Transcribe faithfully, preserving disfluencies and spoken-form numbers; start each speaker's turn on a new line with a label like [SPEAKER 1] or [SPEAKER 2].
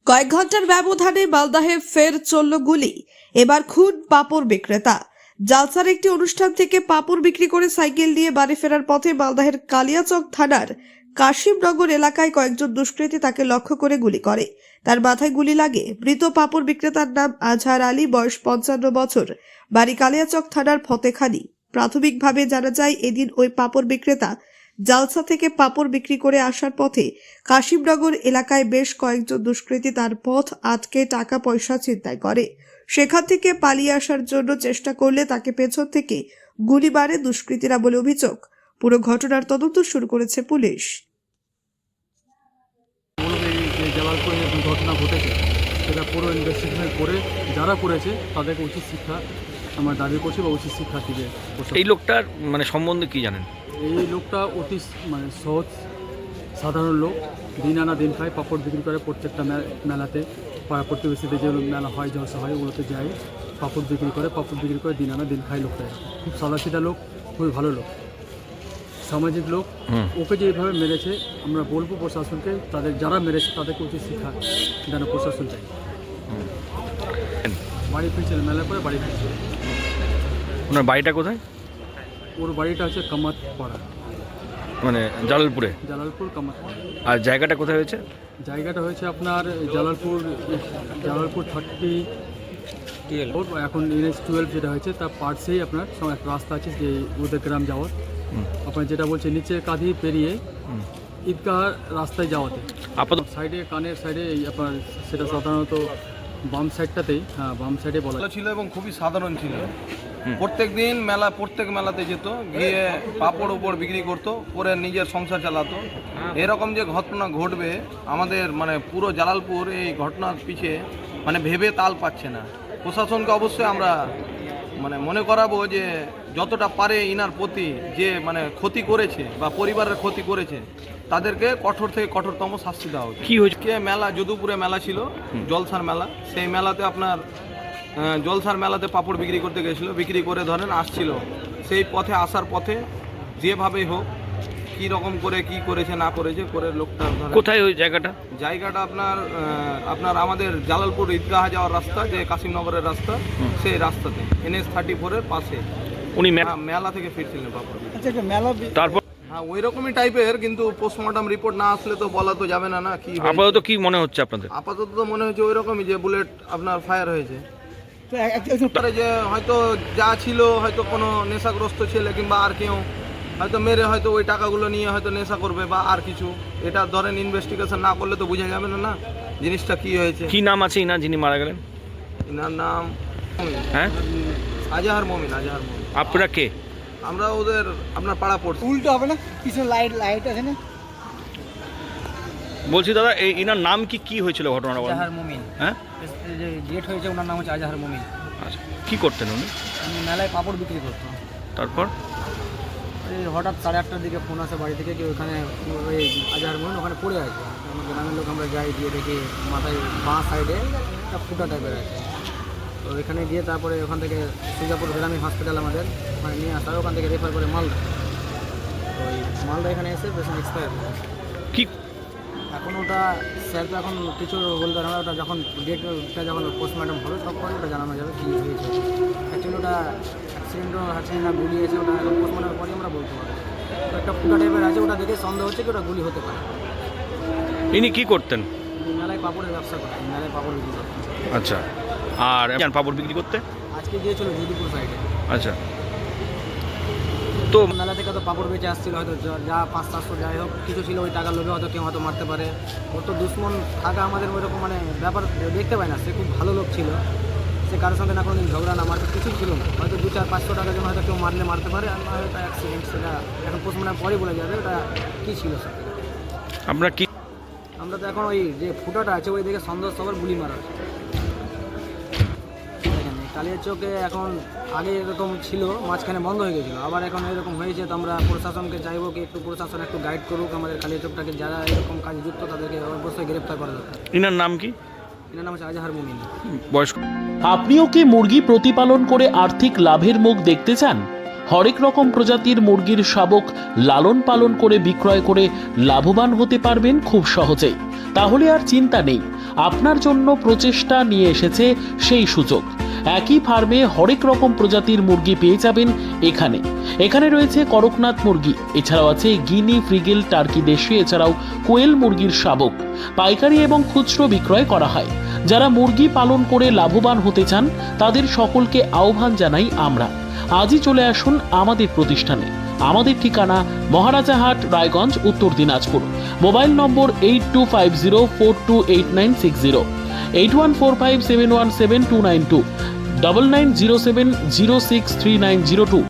[SPEAKER 1] কয়েক ঘন্টার ব্যবধানে মালদাহে ফের চলল গুলি। এবার খুন পাপড় বিক্রেতা। জালসার একটি অনুষ্ঠান থেকে পাপড় বিক্রি করে সাইকেল নিয়ে বাড়ি ফেরার পথে মালদাহের কালিয়াচক থানার কাশিমনগর এলাকায় কয়েকজন দুষ্কৃতী তাকে লক্ষ্য করে গুলি করে। তার মাথায় গুলি লাগে। মৃত পাপড় বিক্রেতার নাম আজহার আলী, বয়স পঞ্চান্ন বছর, বাড়ি কালিয়াচক থানার ফতেখানি। প্রাথমিকভাবে জানা যায়, এদিন ওই পাপড় বিক্রেতা জালসা থেকে পাপড় বিক্রি করে আসার পথে কাশিমনগর এলাকায় বেশ কয়েকজন দুষ্কৃতী তার পথ আটকে টাকা পয়সা ছিনতাই করে। সেখান থেকে পালিয়ে আসার জন্য চেষ্টা করলে তাকে পেছন থেকে গুলি মারে দুষ্কৃতীরা বলে অভিযোগ। পুরো ঘটনার তদন্ত শুরু করেছে পুলিশ।
[SPEAKER 2] জালালপুরে যে দুর্ঘটনা ঘটেছে সেটা পুরো ইনভেস্টিগেশন করে যারা করেছে তাদেরকে উচিত শিক্ষা আমরা দাবি করছি বা উচিত শিক্ষা দিবে।
[SPEAKER 3] এই লোকটার মানে সম্বন্ধে কি জানেন?
[SPEAKER 2] এই লোকটা অতি মানে সহজ সাধারণ লোক, দিন আনা দিন খায়, পাপড় বিক্রি করে। প্রত্যেকটা মেলাতে পাড়া প্রতিবেশীতে যে মেলা হয়, জলসা হয়, ওগুলোতে যায়, পাপড় বিক্রি করে পাপড় বিক্রি করে দিন আনা দিন খায় লোকটা। খুব সাদাসিধা লোক, খুবই ভালো লোক, সামাজিক লোক। ওকে যে এইভাবে মেরেছে, আমরা বলবো প্রশাসনকে, তাদের যারা মেরেছে তাদেরকে উচিত শিক্ষা যেন প্রশাসন চাই। বাড়ি ফিরছিল, মেলা করে বাড়ি ফিরছিল।
[SPEAKER 3] ওনার বাড়িটা কোথায়?
[SPEAKER 2] ওর বাড়িটা হচ্ছে কামাতপাড়া,
[SPEAKER 3] মানে জালালপুরে।
[SPEAKER 2] জালালপুর কামাতপাড়া।
[SPEAKER 3] আর জায়গাটা কোথায় হয়েছে?
[SPEAKER 2] জায়গাটা হয়েছে আপনার জালালপুর জালালপুর থার্টি এখন এনএস টুয়েলভ যেটা হয়েছে তার পার্শ্বেই আপনার একটা রাস্তা আছে যে ওদের গ্রাম যাওয়ার, আপনার যেটা বলছে নিচে কাঁধি পেরিয়ে ঈদগাহ রাস্তায় যাওয়াতে
[SPEAKER 3] আপাতত
[SPEAKER 2] সাইডে কানের সাইডে আপনার সেটা সাধারণত বাম সাইডটাতেই, হ্যাঁ বাম সাইডে বলা
[SPEAKER 4] ছিল এবং খুবই সাধারণ ছিল। প্রত্যেক দিন মেলা প্রত্যেক মেলাতে যেত, গিয়ে পাপড় উপর বিক্রি করতো, করে নিজের সংসার চালাতো। এরকম যে ঘটনা ঘটবে আমাদের মানে পুরো জালালপুর এই ঘটনার পিছে মানে ভেবে তাল পাচ্ছে না। প্রশাসনকে অবশ্যই আমরা মানে মনে করাবো যে যতটা পারে ইনার প্রতি যে মানে ক্ষতি করেছে বা পরিবারের ক্ষতি করেছে তাদেরকে কঠোর থেকে কঠোরতম শাস্তি দেওয়া উচিত।
[SPEAKER 3] কি হয়েছে?
[SPEAKER 4] মেলা যদুপুরে মেলা ছিল, জলসার মেলা। সেই মেলাতে আপনার জলসার মেলাতে পাপড় বিক্রি করতে গেছিলো, বিক্রি করে ধরেন আসছিল। সেই পথে আসার পথে যেভাবেই হোক কী রকম করে কি করেছে না করেছে করে লোকটা।
[SPEAKER 3] কোথায় ওই জায়গাটা?
[SPEAKER 4] জায়গাটা আপনার আপনার আমাদের জালালপুর ঈদগাহ যাওয়ার রাস্তা, যে কাশিমনগরের রাস্তা, সেই রাস্তাতে এনএস থার্টি ফোরের পাশে
[SPEAKER 3] উনি
[SPEAKER 4] মেলা থেকে ফিরছিলেন পাপড়।
[SPEAKER 3] তারপর
[SPEAKER 4] হ্যাঁ ওই রকমই টাইপের, কিন্তু পোস্টমর্টম রিপোর্ট না আসলে তো বলা তো যাবে না। না কি
[SPEAKER 3] আপাতত কি মনে হচ্ছে আপনাদের?
[SPEAKER 4] আপাতত তো মনে হচ্ছে ওই রকমই যে বুলেট আপনার ফায়ার হয়েছে। যে হয়তো যা ছিল হয়তো কোনো নেশাগ্রস্ত ছেলে কিংবা আর কেউ হয়তো মেরে হয়তো ওই টাকাগুলো নিয়ে হয়তো নেশা করবে বা আর কিছু। এটা ধরেন ইনভেস্টিগেশন না করলে তো বোঝা যাবে না না জিনিসটা কি হয়েছে।
[SPEAKER 3] কি নাম আছে ইনার যিনি মারা গেলেন?
[SPEAKER 4] ইনার নাম
[SPEAKER 3] হ্যাঁ
[SPEAKER 4] আজহার মমিন। আজহার মমিন।
[SPEAKER 3] আপনারা কে?
[SPEAKER 4] আমরা ওদের আপনার পাড়া পড়ছি।
[SPEAKER 5] উল্টো হবে না, পিছনে লাইট লাইট আছে না।
[SPEAKER 3] বলছি দাদা, এই ইনার নাম কি কি হয়েছিল ঘটনাটা?
[SPEAKER 5] আজহার মুমিন।
[SPEAKER 3] হ্যাঁ,
[SPEAKER 5] যে ডেট হয়েছে ওনার নাম হচ্ছে আজহার মুমিন।
[SPEAKER 3] আচ্ছা, কি করতেন উনি?
[SPEAKER 5] আমি মেলায় পাপড় বিক্রি করতাম।
[SPEAKER 3] তারপর
[SPEAKER 5] এই হঠাৎ সাড়ে আটটার দিকে ফোন আসে বাড়ি থেকে, কি ওখানে ওই আজহার মুমিন ওখানে পড়ে আছে। আমার গ্রামের লোক আমরা যাই, গিয়ে দেখি মাথায় বাঁ সাইডে একটা ফুটা টাইপের আছে। তো এখানে গিয়ে তারপরে ওখান থেকে সুজাপুর গ্রামীণ হসপিটাল আমাদের মানে নিয়ে আসা হয়, ওখান থেকে রেফার করে মালদা। তো ওই মালদা এখানে এসে পেশেন্ট এক্সপায়ার
[SPEAKER 3] কি
[SPEAKER 5] এখন ওটা স্যার তো এখন কিছু বলতে পারে না। ওটা যখন ডেটটা যখন পোস্টমর্টম হবে তখন ওটা জানানো যাবে কী হয়েছে। অ্যাকচুয়ালি ওটা অ্যাক্সিডেন্টও আছে না গুলি আছে, ওটা পোস্টমর্টমের পরে আমরা বলতে পারি। একটা ফুটা টাইপের আছে, ওটা দেখে সন্দেহ হচ্ছে কি ওটা গুলি হতে পারে।
[SPEAKER 3] ইনি কি করতেন?
[SPEAKER 5] মেলায় পাপড়ের ব্যবসা করতেন, মেলায় পাপড় বিক্রি করতেন।
[SPEAKER 3] আচ্ছা, আর পাপড় বিক্রি করতে
[SPEAKER 5] আজকে গিয়েছিল যদুপুর সাইডে।
[SPEAKER 3] আচ্ছা, তো
[SPEAKER 5] মেলা থেকে তো পাপড় বেঁচে আসছিল, হয়তো যা পাঁচ চারশো যাই হোক কিছু ছিল, ওই টাকার লোভে হয়তো কেউ হয়তো মারতে পারে। ওর তো দুশ্মন থাকা আমাদের ওইরকম মানে ব্যাপার দেখতে পাই না। সে খুব ভালো লোক ছিল, সে কারোর সঙ্গে না কোনো দিন ঝগড়া না মারতে কিছু ছিল না। হয়তো দু চার পাঁচশো টাকার জন্য হয়তো কেউ মারলে মারতে পারে, আর ওটা অ্যাক্সিডেন্ট, সেটা এখন পোস্টমর্টমের পরে বলে যাবে ওটা কী ছিল। সেটা
[SPEAKER 3] আপনার কি?
[SPEAKER 5] আমরা তো এখন ওই যে ফুটাটা আছে ওই দিকে সন্দেহ সবার গুলি মারা। কালিয়াচকে এখন আগে এরকম ছিল, মাঝখানে বন্ধ হয়ে গেছিলো, আবার এখন এরকম হয়েছে। তো আমরা প্রশাসনকে চাইবো কি একটু প্রশাসন একটু গাইড করুক আমাদের কালিয়াচকটাকে, যারা এরকম কাজ যুক্ত তাদেরকে অবশ্যই গ্রেপ্তার করা দরকার।
[SPEAKER 3] ইনার নাম কি?
[SPEAKER 5] এনার নাম হচ্ছে আজহার মুমিন।
[SPEAKER 3] বয়স?
[SPEAKER 6] আপনিও কি মুরগি প্রতিপালন করে আর্থিক লাভের মুখ দেখতে চান? হরেক রকম প্রজাতির মুরগির শাবক লালন পালন করে বিক্রয় করে লাভবান হতে পারবেন খুব সহজেই। তাহলে আর চিন্তা নেই, আপনার জন্য প্রচেষ্টা নিয়ে এসেছে সেই সুযোগ। একই ফার্মে হরেক রকম প্রজাতির মুরগি পেয়ে যাবেন এখানে। এখানে রয়েছে করকনাথ মুরগি, এছাড়াও আছে গিনি, ফ্রিগেল, টার্কি দেশি, এছাড়াও কোয়েল মুরগির শাবক। পাইকারি এবং খুচরো বিক্রয় করা হয়। যারা মুরগি পালন করে লাভবান হতে চান তাদের সকলকে আহ্বান জানাই আমরা। আজই চলে আসুন আমাদের প্রতিষ্ঠানে। আমাদের ঠিকানা Maharajahat, Raiganj, Uttar Dinajpur. Mobile number eight two five zero four two eight nine six zero, eight one four five seven one seven two nine two, double nine zero seven zero six three nine zero two.